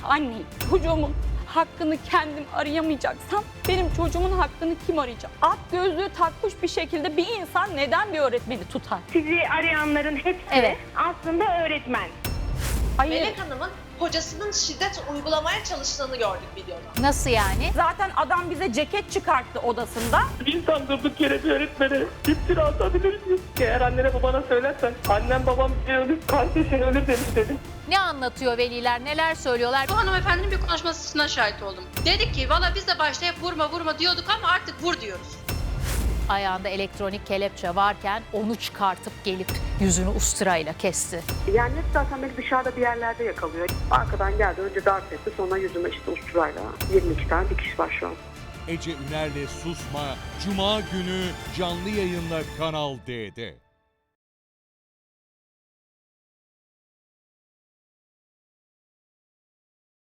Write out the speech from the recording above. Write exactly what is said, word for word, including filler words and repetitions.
anneyim. Çocuğumun hakkını kendim arayamayacaksam benim çocuğumun hakkını kim arayacak? At gözlüğü takmış bir şekilde bir insan neden bir öğretmeni tutar? Sizi arayanların hepsi Evet. aslında öğretmen. Hayır. Melek Hanım'ın kocasının şiddet uygulamaya çalıştığını gördük videoda. Nasıl yani? Zaten adam bize ceket çıkarttı odasında. İnsan durduk yere bir öğretmene iftira atabilir miyiz? Eğer annene babana söylersen annem babam bir ölür, kardeşin ölür demiş dedim. Ne anlatıyor veliler, neler söylüyorlar? Bu hanımefendinin bir konuşmasına şahit oldum. Dedik ki valla biz de başta hep vurma vurma diyorduk ama artık vur diyoruz. Ayağında elektronik kelepçe varken onu çıkartıp gelip yüzünü usturayla kesti. Yani hep zaten beni dışarıda bir yerlerde yakalıyor. Arkadan geldi, önce darp etti, sonra yüzüme işte usturayla. yirmi iki tane dikiş var şu an. Ece Üner'le Susma, Cuma günü canlı yayınla Kanal D'de.